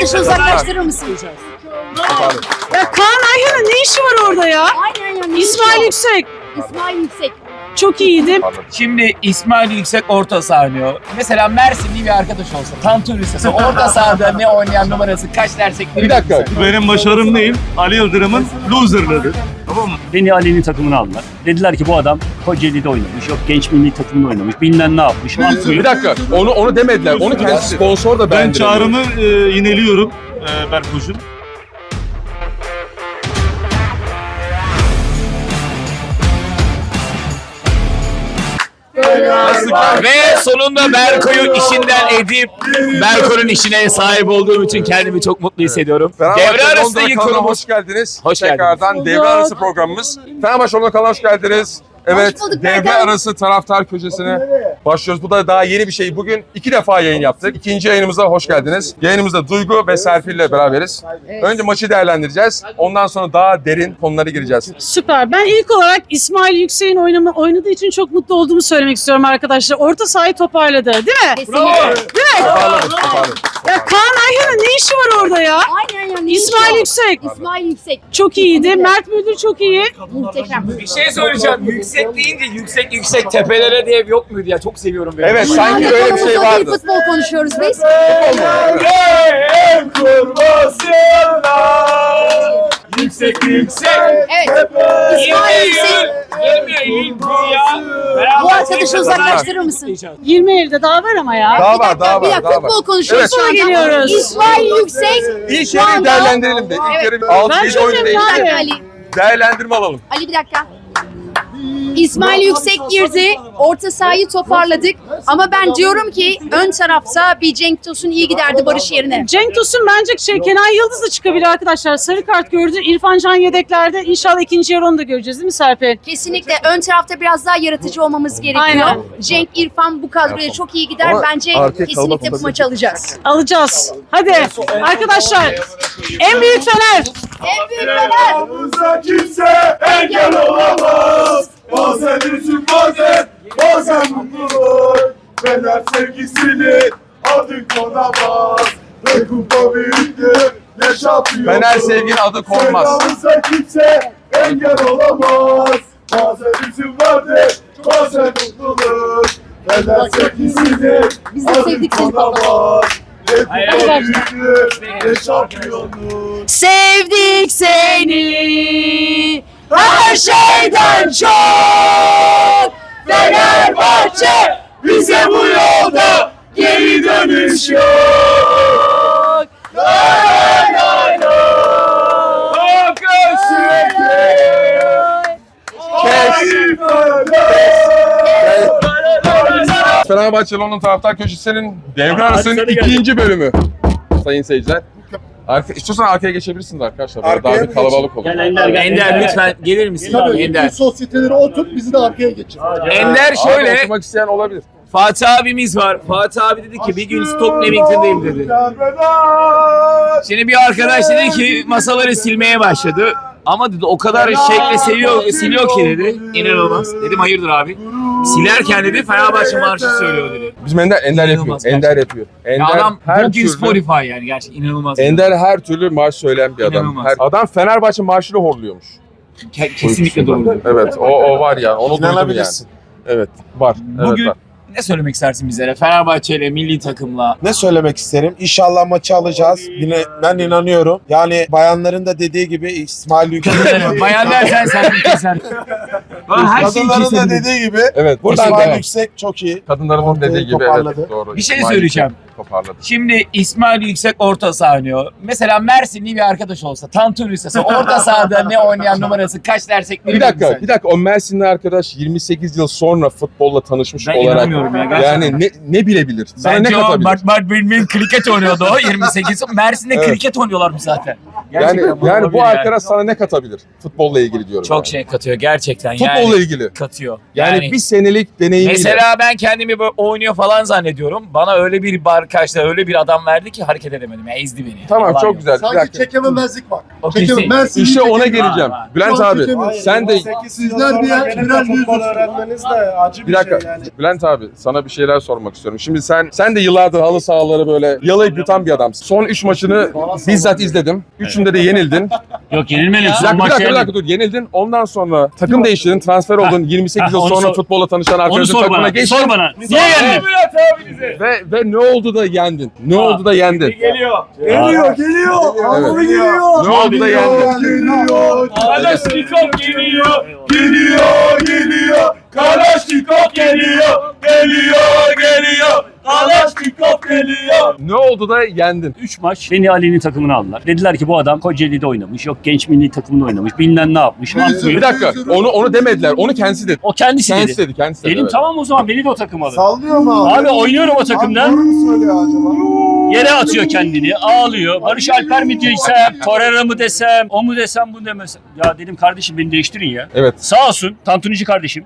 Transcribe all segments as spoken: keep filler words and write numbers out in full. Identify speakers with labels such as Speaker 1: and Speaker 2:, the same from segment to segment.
Speaker 1: arkadaşı uzaklaştırır mısın?
Speaker 2: Ya Kaan Ayhan'ın ne işi var orada ya?
Speaker 1: Aynen ya. ne
Speaker 2: İsmail
Speaker 1: işi o?
Speaker 2: Yüksek.
Speaker 1: İsmail Yüksek.
Speaker 2: Çok iyiydi.
Speaker 3: Şimdi İsmail Yüksek orta saha oynuyor. Mesela Mersinli bir arkadaş olsa, Tantur Lisesi orta sahada ne oynayan numarası kaç dersek ne
Speaker 4: Bir dakika.
Speaker 5: Benim başarım değil, Ali Yıldırım'ın loser'lıdır. Tamam mı?
Speaker 6: Beni Ali'nin takımına aldılar. Dediler ki bu adam Kocaeli'de oynamış, yok genç milli takımda oynamış, bilmem ne yapmış.
Speaker 4: Bir dakika. Onu onu demediler. Onu kendisi sponsor da
Speaker 5: Ben
Speaker 4: beğendirdi.
Speaker 5: çağrımı e, yineliyorum e, Berkocuğum.
Speaker 3: Ve sonunda Berko'yu işinden edip Berko'nun işine sahip olduğum için kendimi çok mutlu hissediyorum. Devre arası yıkılmış.
Speaker 4: Hoş geldiniz.
Speaker 3: Hoş geldiniz.
Speaker 4: Tekrardan devre arası programımız. Fenerbahçe Ondan kanalına hoş geldiniz. Evet,
Speaker 1: Hoş bulduk,
Speaker 4: devre
Speaker 1: Berkay.
Speaker 4: arası taraftar köşesine başlıyoruz. Bu da daha yeni bir şey. Bugün iki defa yayın yaptık. İkinci yayınımıza hoş geldiniz. Yayınımızda Duygu ve Serpil ile beraberiz. Önce maçı değerlendireceğiz. Ondan sonra daha derin konulara gireceğiz.
Speaker 2: Süper. Ben ilk olarak İsmail Yüksek'in oynama, oynadığı için çok mutlu olduğumu söylemek istiyorum arkadaşlar. Orta sahayı toparladı değil mi?
Speaker 1: Kesinlikle.
Speaker 4: Toparladık, toparladık.
Speaker 2: Ya Kaan Ayhan'ın ne işi var orada ya?
Speaker 1: Aynen ya. ne işi
Speaker 2: İsmail
Speaker 1: o?
Speaker 2: Yüksek.
Speaker 1: İsmail Yüksek.
Speaker 2: Çok iyiydi. Mert Müldür çok iyi.
Speaker 1: Muhteşem.
Speaker 3: Bir şey söyleyeceğim. Yüksek deyince yüksek yüksek tepelere diye yok muydu ya? Çok seviyorum ben.
Speaker 4: Evet, sanki
Speaker 1: Yani
Speaker 4: öyle bir
Speaker 1: konumuz
Speaker 4: şey
Speaker 1: o değil,
Speaker 4: vardı.
Speaker 1: futbol konuşuyoruz biz.
Speaker 3: Yüksek yüksek.
Speaker 1: Evet. İsmail Yüksek.
Speaker 3: Gelmiyor elin ya.
Speaker 1: Bu arkadaşı uzaklaştırır mısın?
Speaker 2: yirmi elde daha var ama ya.
Speaker 4: Daha
Speaker 1: Bir
Speaker 4: var,
Speaker 1: dakika,
Speaker 4: daha
Speaker 1: bir
Speaker 4: var,
Speaker 1: dakika.
Speaker 4: daha var.
Speaker 1: Futbol konuşuyoruz
Speaker 4: Evet.
Speaker 1: şu anda.
Speaker 2: Geliyoruz.
Speaker 1: İsmail Yüksek.
Speaker 4: İlk
Speaker 1: şu
Speaker 4: yarıyı
Speaker 1: anda-
Speaker 4: değerlendirelim de. İlk
Speaker 1: Evet.
Speaker 4: yarı altı
Speaker 2: Ben
Speaker 4: yedi
Speaker 2: çok
Speaker 4: oyun
Speaker 2: memnun
Speaker 4: değişti.
Speaker 1: Bir
Speaker 2: abi.
Speaker 1: dakika Ali.
Speaker 4: Değerlendirme alalım.
Speaker 1: Ali bir dakika. İsmail Yüksek girdi. Orta sahayı toparladık. Ama ben diyorum ki ön tarafta bir Cenk Tosun iyi giderdi Barış yerine.
Speaker 2: Cenk Tosun bence şey, Kenan Yıldız da çıkabilir arkadaşlar. Sarı kart gördü. İrfan Can yedeklerde. İnşallah ikinci yarı onu da göreceğiz değil mi Serpil?
Speaker 1: Kesinlikle ön tarafta biraz daha yaratıcı olmamız gerekiyor.
Speaker 2: Aynen.
Speaker 1: Cenk, İrfan bu kadroya çok iyi gider.
Speaker 4: Ama
Speaker 1: Bence
Speaker 4: arkaya kalabalık
Speaker 1: kesinlikle bu
Speaker 4: olabilir.
Speaker 1: maçı alacağız.
Speaker 2: Alacağız. Hadi arkadaşlar. En büyük Fener.
Speaker 1: En büyük Fener.
Speaker 5: Aramızda kimse engel olamaz. Bazen üzüm, bazen, bazen mutluluk. Fener sevgisini adın konamaz. Ne kupa büyüktür, ne şampiyon.
Speaker 4: Fener sevginin adı konmaz.
Speaker 5: Aramızda kimse engel olamaz. Bazen üzüm vardır, bazen mutluluk. Fener sevgisini
Speaker 1: Biz de
Speaker 5: adın
Speaker 1: sevdik seni
Speaker 5: konamaz. Ne kupa
Speaker 2: Hayır.
Speaker 5: büyüktür, ne şampiyonluk.
Speaker 1: Sevdik seni her şeyden çok. Fenerbahçe
Speaker 5: Bize bu yolda geri dönüş yok. Lay lay lay.
Speaker 4: Fenerbahçe Londra Taraftar Köşesi'nin devre arasının ikinci bölümü. Sayın seyirciler. Arka, istiyorsan arkaya geçebilirsin de arkadaşlar. Böyle
Speaker 7: Arkaya
Speaker 4: daha bir
Speaker 7: mı
Speaker 4: kalabalık olur.
Speaker 6: Gel Ender gel.
Speaker 3: Ender lütfen gelir misin?
Speaker 7: Tabii
Speaker 3: Ender.
Speaker 7: bütün sosyetelere otur, bizi de arkaya geçir.
Speaker 3: Ender
Speaker 4: Abi
Speaker 3: şöyle.
Speaker 4: oturmak isteyen olabilir.
Speaker 3: Fatih abimiz var. Fatih abi dedi ki bir gün Stoke Newington'dayım dedi. Şimdi bir arkadaş dedi ki masaları silmeye başladı. Ama dedi o kadar şekle seviyor, siliyor ki dedi. İnanılmaz. Dedim hayırdır abi. Silerken dedi Fenerbahçe marşı söylüyor dedi.
Speaker 4: Bizim Ender, Ender yapıyor.
Speaker 3: İnanılmaz
Speaker 4: Ender yapıyor. Ender
Speaker 3: Ya adam
Speaker 4: her
Speaker 3: bugün
Speaker 4: türlü,
Speaker 3: Spotify yani gerçekten inanılmaz.
Speaker 4: Ender her türlü marş söyleyen bir adam.
Speaker 3: İnanılmaz.
Speaker 4: Her, adam Fenerbahçe marşıyla horluyormuş.
Speaker 3: Ke- kesinlikle doğru.
Speaker 4: Evet, o, o var yani. Onu duydum yani.
Speaker 7: İnanabilirsin.
Speaker 4: Evet, var. Evet,
Speaker 3: Bugün
Speaker 4: var.
Speaker 3: ne söylemek istersin bizlere? Fenerbahçe ile milli takımla.
Speaker 7: Ne söylemek isterim? İnşallah maçı alacağız. Yine ben inanıyorum. Yani bayanların da dediği gibi İsmail Yüksek.
Speaker 3: Bayan dersen sen sen. Her şeyi
Speaker 7: Kadınların da
Speaker 3: keselim.
Speaker 7: dediği gibi
Speaker 4: Evet, buradan
Speaker 7: İsmail
Speaker 4: devam.
Speaker 7: Yüksek çok iyi.
Speaker 4: Kadınların
Speaker 7: Ortayı
Speaker 4: dediği gibi
Speaker 7: toparladı.
Speaker 4: evet, doğru.
Speaker 3: Bir şey
Speaker 4: İsmail
Speaker 3: söyleyeceğim.
Speaker 4: Yüksek Toparladı.
Speaker 3: Şimdi İsmail Yüksek orta saha oynuyor. Mesela Mersinli bir arkadaş olsa, Tantur Lisesi orta sahada ne oynayan numarası kaç dersek ne
Speaker 4: Bir dakika, bir dakika. O Mersinli arkadaş yirmi sekiz yıl sonra futbolla tanışmış
Speaker 3: Ben
Speaker 4: olarak
Speaker 3: inanamıyorum ya gerçekten.
Speaker 4: yani ne ne bilebilir? Sana
Speaker 3: Bence
Speaker 4: ne
Speaker 3: o
Speaker 4: katabilir?
Speaker 3: Bart Bart Bilmin kriket oynuyordu o yirmi sekiz. Mersin'de
Speaker 4: Evet.
Speaker 3: kriket oynuyorlarmış zaten.
Speaker 4: Yani
Speaker 3: Gerçekten
Speaker 4: yani
Speaker 3: olabilir
Speaker 4: bu arkadaş sana ne katabilir? Futbolla ilgili diyorum.
Speaker 3: çok
Speaker 4: yani.
Speaker 3: şey katıyor gerçekten
Speaker 4: Futbolla
Speaker 3: yani.
Speaker 4: ilgili.
Speaker 3: Katıyor.
Speaker 4: Yani,
Speaker 3: Yani,
Speaker 4: bir senelik deneyimiyle.
Speaker 3: mesela ben kendimi böyle oynuyor falan zannediyorum. Bana öyle bir bar karşıda öyle bir adam verdi ki hareket edemedim. Ya, ezdi beni.
Speaker 4: Tamam
Speaker 3: Yalan
Speaker 4: çok
Speaker 3: yok.
Speaker 4: güzel. Bir
Speaker 8: Sanki
Speaker 4: dakika.
Speaker 8: çekememezlik var.
Speaker 3: O
Speaker 8: Çekemem.
Speaker 3: kesin.
Speaker 8: Ben sizin
Speaker 4: İşte ona
Speaker 8: çekemem.
Speaker 4: geleceğim.
Speaker 3: Var, var.
Speaker 4: Bülent
Speaker 8: Çok
Speaker 4: abi
Speaker 8: çekemiyorum.
Speaker 4: sen de
Speaker 8: Sizler bir yer, birer yüz
Speaker 7: futbol öğrenmeniz de acı bir,
Speaker 4: bir dakika.
Speaker 7: şey yani.
Speaker 4: Bülent abi sana bir şeyler sormak istiyorum. Şimdi sen sen de yıllardır halı sahaları böyle yalayıp yutan bir adamsın. Son üç maçını bizzat izledim. Üçünde de yenildin.
Speaker 6: Yok yenilmeli.
Speaker 4: Bir
Speaker 6: Son
Speaker 4: dakika, bir
Speaker 6: maç
Speaker 4: dakika, bir
Speaker 6: yenildi.
Speaker 4: dakika dur. Yenildin. Ondan sonra takım değiştirdin, transfer oldun. yirmi sekiz yıl
Speaker 6: Ha, onu
Speaker 4: sonra
Speaker 6: sor-
Speaker 4: futbola tanışan
Speaker 6: Onu
Speaker 4: arkadaşın
Speaker 6: sor
Speaker 4: takımına
Speaker 6: bana.
Speaker 4: geçtin.
Speaker 6: Sor bana. Niye yendin?
Speaker 3: Bülent abinize.
Speaker 4: Ve ve ne oldu da yendin? Ne oldu da yendin?
Speaker 3: Geliyor.
Speaker 8: Geliyor, geliyor. Anlamı geliyor.
Speaker 4: Ne oldu da yendin?
Speaker 8: Geliyor.
Speaker 3: Kalaşnikov geliyor. Geliyor, geliyor. Kalaşnikov geliyor. Geliyor, geliyor. Kalaşnikov geliyor.
Speaker 4: Ne oldu da yendin?
Speaker 6: üç maç beni Ali'nin takımına aldılar. Dediler ki bu adam Kocaeli'de oynamış. Yok genç milli takımında oynamış. Bilmem ne yapmış. ne yapıyor.
Speaker 4: Bir dakika. Onu onu demediler. Onu kendisi dedi.
Speaker 6: O kendisi,
Speaker 4: Kendisi
Speaker 6: dedi.
Speaker 4: dedi. Kendisi dedi.
Speaker 6: Dedim
Speaker 4: evet.
Speaker 6: tamam o zaman beni de o takıma alın.
Speaker 8: Sallıyor mu abi?
Speaker 6: Abi oynuyorum o takımda.
Speaker 8: Abi doğru mu söylüyor acaba?
Speaker 6: Yere atıyor kendini, ağlıyor. Barış Alper mi desem, Torreira mı desem, o mu desem, bu demesem. Ya dedim kardeşim beni değiştirin ya.
Speaker 4: Evet.
Speaker 6: Sağ olsun Tantunici kardeşim.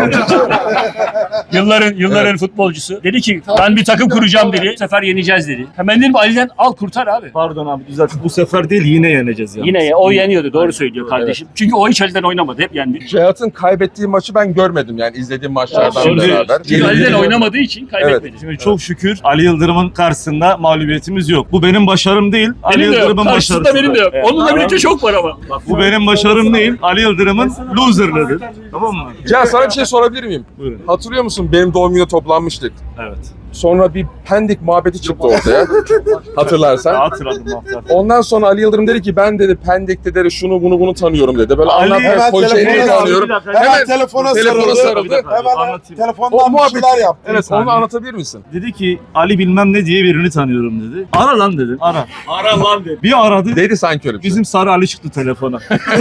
Speaker 6: yılların yılların futbolcusu. Dedi ki ben bir takım kuracağım dedi. Bu sefer yeneceğiz dedi. Hemen dedim Ali'den al kurtar abi.
Speaker 5: Pardon abi düzelt. Bu sefer değil yine yeneceğiz ya.
Speaker 6: Yine ya, o yeniyordu doğru söylüyor kardeşim. Çünkü o hiç Ali'den oynamadı hep yendi.
Speaker 4: Cihat'ın kaybettiği maçı ben görmedim yani izlediğim maçlardan
Speaker 5: Şimdi-
Speaker 4: beraber.
Speaker 6: Çünkü Ali'den
Speaker 4: Yenildiğini-
Speaker 6: oynamadığı için kaybetmedi.
Speaker 5: Şimdi çok şükür Ali Yıldırım'ın karşısında mağlubiyetimiz yok. Bu benim başarım değil. Ali
Speaker 6: Benim de yok.
Speaker 5: Yıldırım'ın
Speaker 6: Karşısında
Speaker 5: başarısı.
Speaker 6: benim de yok.
Speaker 5: Evet.
Speaker 6: Onunla birlikte çok var ama.
Speaker 5: Bu benim başarım değil. Ali Yıldırım'ın loserlığıdır. Tamam mı?
Speaker 4: Cihat sana bir şey sorabilir miyim?
Speaker 5: Buyurun.
Speaker 4: Hatırlıyor musun benim doğum gününe toplanmıştık.
Speaker 5: Evet.
Speaker 4: Sonra bir Pendik muhabbeti çıktı ortaya. Hatırlarsan.
Speaker 5: Hatırladım hatırladım.
Speaker 4: Ondan sonra Ali Yıldırım dedi ki ben dedi Pendik'te dedi şunu bunu bunu tanıyorum dedi. Böyle
Speaker 5: Ali-
Speaker 4: anlatmaya
Speaker 7: Hemen
Speaker 4: Kocaeli'yi
Speaker 7: telefona
Speaker 4: tanıyorum.
Speaker 5: sarıldı. Bir dakika.
Speaker 7: Hemen
Speaker 4: Hemen
Speaker 7: telefona,
Speaker 4: telefona
Speaker 7: sarıldı.
Speaker 4: sarıldı.
Speaker 7: Hemen
Speaker 5: Anlatayım.
Speaker 4: O
Speaker 7: telefondan bir
Speaker 4: muhabbeti
Speaker 7: şeyler yaptı.
Speaker 4: Evet
Speaker 5: saniye.
Speaker 4: onu anlatabilir misin?
Speaker 5: Dedi ki Ali bilmem ne diye birini tanıyorum dedi. Ara lan dedim. Ara.
Speaker 3: Ara lan dedi.
Speaker 5: Bir aradı.
Speaker 4: Dedi sanki öyle bir şey.
Speaker 5: Bizim Sarı Ali çıktı telefona.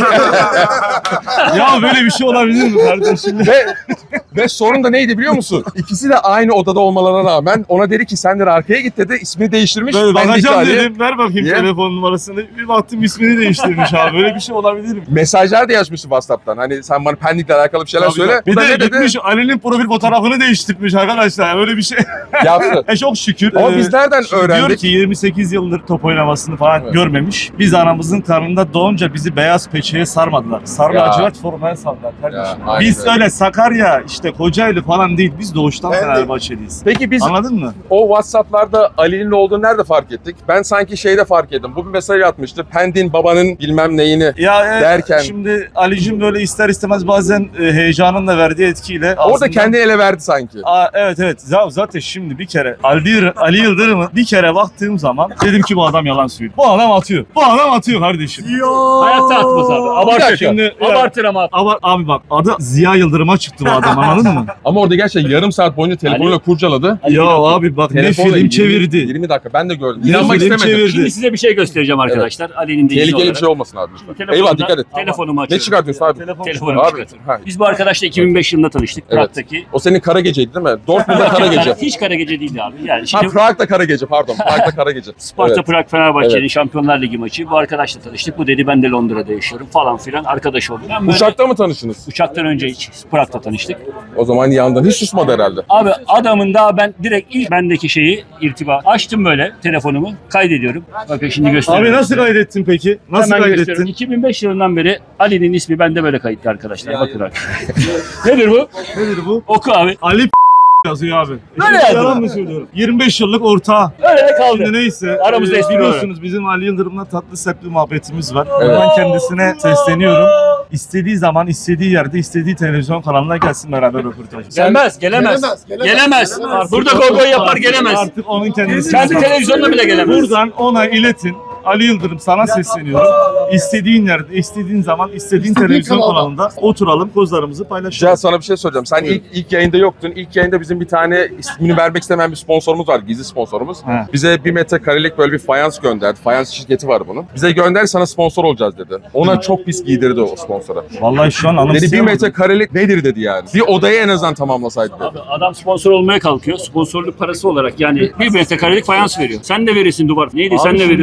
Speaker 5: Ya böyle bir şey olabilir mi kardeşim?
Speaker 4: Ve, ve sorun da neydi biliyor musun? İkisi de aynı odada olmalarına rağmen ona dedi ki sen de arkaya git dedi. İsmini değiştirmiş.
Speaker 5: Böyle
Speaker 4: Pendik'te
Speaker 5: bakacağım
Speaker 4: Ali.
Speaker 5: dedim. Ver bakayım
Speaker 4: Niye?
Speaker 5: telefon numarasını. Bir baktım ismini değiştirmiş abi. Böyle bir şey olabilir mi?
Speaker 4: Mesajlar da yazmıştı WhatsApp'tan. Hani sen bana Pendik'le alakalı bir şeyler
Speaker 5: Tabii
Speaker 4: söyle.
Speaker 5: tabii.
Speaker 4: Bu
Speaker 5: Bir
Speaker 4: da
Speaker 5: de
Speaker 4: ne dedi?
Speaker 5: gitmiş Ali'nin profil fotoğrafını değiştirmiş arkadaşlar. Böyle bir şey.
Speaker 4: Yaptı.
Speaker 5: E çok şükür.
Speaker 4: Ama
Speaker 5: Ee,
Speaker 4: biz nereden
Speaker 5: şimdi
Speaker 4: öğrendik?
Speaker 5: Diyor ki yirmi sekiz yıldır top oynamasını falan
Speaker 4: Evet.
Speaker 5: görmemiş. Biz anamızın karnında doğunca bizi beyaz peçeye sarmadılar. Sarı
Speaker 4: Ya.
Speaker 5: lacivert formaya sardılar kardeşim.
Speaker 4: Ya, aynen
Speaker 5: Biz
Speaker 4: öyle.
Speaker 5: öyle Sakarya, işte Kocaeli falan değil. Biz doğuştan
Speaker 7: Ben de-
Speaker 5: Fenerbahçeliyiz.
Speaker 4: Peki biz
Speaker 5: Anladın mı?
Speaker 4: o WhatsApp'larda Ali'nin olduğunu nerede fark ettik? Ben sanki şeyde fark ettim. Bu bir mesaj atmıştı. Pendik'in babanın bilmem neyini.
Speaker 5: Ya e,
Speaker 4: Derken-
Speaker 5: şimdi Ali'cim böyle ister istemez bazen e, heyecanın da verdiği etkiyle
Speaker 4: Orada
Speaker 5: aslında-
Speaker 4: kendi ele verdi sanki.
Speaker 5: Aa, evet evet Z- zaten şimdi bir kere Ali, Ali Yıldırım'ı bir kere baktığım zaman dedim ki bu adam yalan söylüyor. Bu adam atıyor. Bu adam atıyor kardeşim.
Speaker 6: Hayatta atmaz abi.
Speaker 4: Bir
Speaker 6: Abartır.
Speaker 4: dakika.
Speaker 5: Şimdi
Speaker 6: Abartır ama.
Speaker 5: Ama abi bak adı Ziya Yıldırım'a çıktı bu adam anladın mı?
Speaker 4: Ama orada gerçekten yarım saat boyunca telefonuyla kurcaladı.
Speaker 5: Ya abi bak ne
Speaker 4: Telefonla
Speaker 5: film
Speaker 4: yirmi
Speaker 5: çevirdi.
Speaker 4: yirmi dakika ben de gördüm.
Speaker 5: Ne
Speaker 4: İnanmak
Speaker 5: film
Speaker 4: istemedim.
Speaker 5: çevirdi.
Speaker 6: Şimdi size bir şey göstereceğim arkadaşlar. Ali'nin dediği
Speaker 4: Tehlikeli bir
Speaker 6: olarak.
Speaker 4: şey olmasın abi lütfen.
Speaker 6: Telefonumda-
Speaker 4: Eyvah dikkat et.
Speaker 6: Telefonumu
Speaker 4: Ne
Speaker 6: açıyorum.
Speaker 4: çıkartıyorsun abi?
Speaker 5: Telefon
Speaker 6: Telefonumu
Speaker 4: Abi,
Speaker 6: çıkartıyorum.
Speaker 4: ha.
Speaker 6: Biz bu arkadaşla iki bin beş yılında tanıştık.
Speaker 4: Evet.
Speaker 6: Prag'daki.
Speaker 4: O senin kara geceydi değil mi? Dortmund'da kara gece.
Speaker 6: Hiç kara gece değildi abi. Yani
Speaker 4: Ha
Speaker 6: şimdi
Speaker 4: Prag'da kara gece pardon. Prag'da kara gece.
Speaker 6: Sparta
Speaker 4: Evet.
Speaker 6: Prag Fenerbahçe'nin
Speaker 4: Evet.
Speaker 6: Şampiyonlar Ligi maçı. Bu arkadaşla tanıştık. Bu dedi ben de Londra'da yaşıyorum falan filan. Arkadaş olduk. Ben böyle
Speaker 4: Uçakta mı tanıştınız?
Speaker 6: uçaktan önce hiç Prag'da tanıştık.
Speaker 4: O zaman yandan hiç susmadı herhalde.
Speaker 6: Abi adamın daha ben direkt ilk bendeki şeyi irtiba açtım böyle telefonumu kaydediyorum. Bakın şimdi göstereyim.
Speaker 5: Abi nasıl kaydettin peki? Nasıl
Speaker 6: Hemen
Speaker 5: kaydettin?
Speaker 6: gösteriyorum. iki bin beş yılından beri Ali'nin ismi bende böyle kayıtlı arkadaşlar. Bakın abi. Nedir bu?
Speaker 5: Nedir bu?
Speaker 6: Oku abi.
Speaker 5: Ali yazıyor abi.
Speaker 6: Böyle
Speaker 5: Şimdi
Speaker 6: yazıyor.
Speaker 5: Yalan mı söylüyorum? yirmi beş yıllık ortağı.
Speaker 6: Öyle de kaldı.
Speaker 5: Şimdi neyse.
Speaker 6: Aramızda
Speaker 5: e,
Speaker 6: espri
Speaker 5: biliyorsunuz bizim Ali Yıldırım'la tatlı sertli muhabbetimiz var.
Speaker 4: Evet.
Speaker 5: Ben kendisine sesleniyorum. İstediği zaman, istediği yerde, istediği televizyon kanalına gelsin beraber röportaj.
Speaker 6: Gelmez, gelemez.
Speaker 8: Gelemez, gelemez.
Speaker 6: Gelemez.
Speaker 8: Gelemez.
Speaker 6: Burada goy goy yapar gelemez.
Speaker 5: Artık onun kendisi.
Speaker 6: Kendi televizyonuna bile gelemez.
Speaker 5: Buradan ona iletin. Ali Yıldırım sana sesleniyorum. İstediğin yerde, istediğin zaman, istediğin
Speaker 8: İstediğin
Speaker 5: televizyon
Speaker 8: kanalda.
Speaker 5: kanalında oturalım, kozlarımızı paylaşalım.
Speaker 4: Cihat sana bir şey soracağım. Sen ilk ilk yayında yoktun. İlk yayında bizim bir tane ismini vermek istemeyen bir sponsorumuz var. Gizli sponsorumuz.
Speaker 5: He.
Speaker 4: Bize bir metrekarelik böyle bir fayans gönderdi. Fayans şirketi var bunun. Bize gönder sana sponsor olacağız dedi. Ona çok pis giydirdi o sponsora.
Speaker 5: Vallahi şu an
Speaker 4: Dedi bir
Speaker 5: anımsayamadım.
Speaker 4: metrekarelik nedir dedi yani. Bir odayı en azından tamamlasaydı dedi.
Speaker 6: Abi adam sponsor olmaya kalkıyor. Sponsorluk parası olarak yani bir metrekarelik fayans veriyor. Sen de verirsin duvar. Neydi
Speaker 5: Abi
Speaker 6: sen de
Speaker 5: şimdi
Speaker 6: veriyorsun.
Speaker 5: bizim işimiz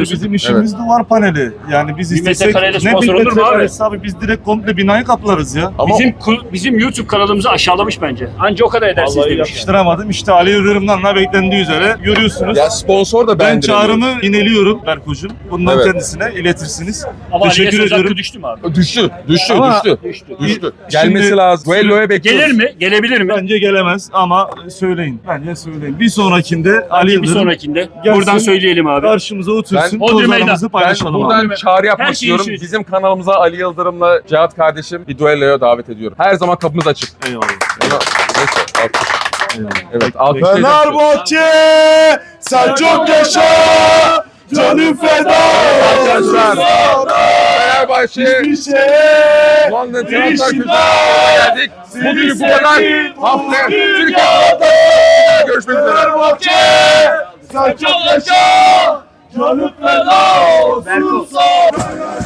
Speaker 5: İşimiz duvar paneli. Yani biz
Speaker 6: Bir
Speaker 5: istesek
Speaker 6: metrekareyle
Speaker 5: ne
Speaker 6: sponsor
Speaker 5: bir
Speaker 6: olur mu abi?
Speaker 5: metrekaresi abi biz direkt komple binayı kaplarız ya.
Speaker 4: Ama
Speaker 6: Bizim ku- bizim YouTube kanalımızı aşağılamış bence. Anca o kadar edersiniz
Speaker 5: Vallahi
Speaker 6: demiş.
Speaker 5: yakıştıramadım. İşte Ali Yıldırım'dan da beklendiği üzere görüyorsunuz.
Speaker 4: ya sponsor da
Speaker 5: Ben
Speaker 4: ben
Speaker 5: çağrımı ineliyorum Berkocuğum. Bundan
Speaker 4: Evet.
Speaker 5: kendisine iletirsiniz.
Speaker 6: Ama
Speaker 5: Teşekkür
Speaker 6: Ali'ye söz hakkı
Speaker 5: ediyorum.
Speaker 6: düştü mü abi?
Speaker 4: Düştü, düştü,
Speaker 5: Ama-
Speaker 4: düştü.
Speaker 6: Düştü.
Speaker 4: Düştü.
Speaker 5: Şimdi-
Speaker 4: Gelmesi lazım. Duello'ya bekliyoruz.
Speaker 6: Gelir mi? Gelebilir mi?
Speaker 5: Bence gelemez ama söyleyin. Bence söyleyin. Bir sonrakinde Ali
Speaker 6: Bir
Speaker 5: Yıldırım
Speaker 6: sonrakinde.
Speaker 5: Gelsin.
Speaker 6: Buradan söyleyelim abi.
Speaker 5: karşımıza otursun.
Speaker 4: Ben-
Speaker 6: Bodrum
Speaker 5: Kozlarımızı
Speaker 6: Meydan.
Speaker 4: Ben
Speaker 5: paylaşalım
Speaker 4: buradan
Speaker 5: abi.
Speaker 4: çağrı yapmak
Speaker 6: Her şeyi
Speaker 4: istiyorum.
Speaker 6: işiniz.
Speaker 4: Bizim kanalımıza Ali Yıldırım'la Cihat kardeşim bir duelloya davet ediyorum. Her zaman kapımız açık.
Speaker 5: Eyvallah.
Speaker 4: Ona, neyse, alkış.
Speaker 5: Eyvallah.
Speaker 4: Evet, alkışlayacağız.
Speaker 8: Fenerbahçe sen çok yaşa. Canım feda.
Speaker 4: Arkadaşlar, Fenerbahçe
Speaker 8: Bir şey.
Speaker 4: London Taraftar Köşesi'ne geldik. Bugün bu kadar. Haftaya Türkiye'de görüşmek üzere.
Speaker 8: Fenerbahçe sen çok yaşa. Canım feda olsun.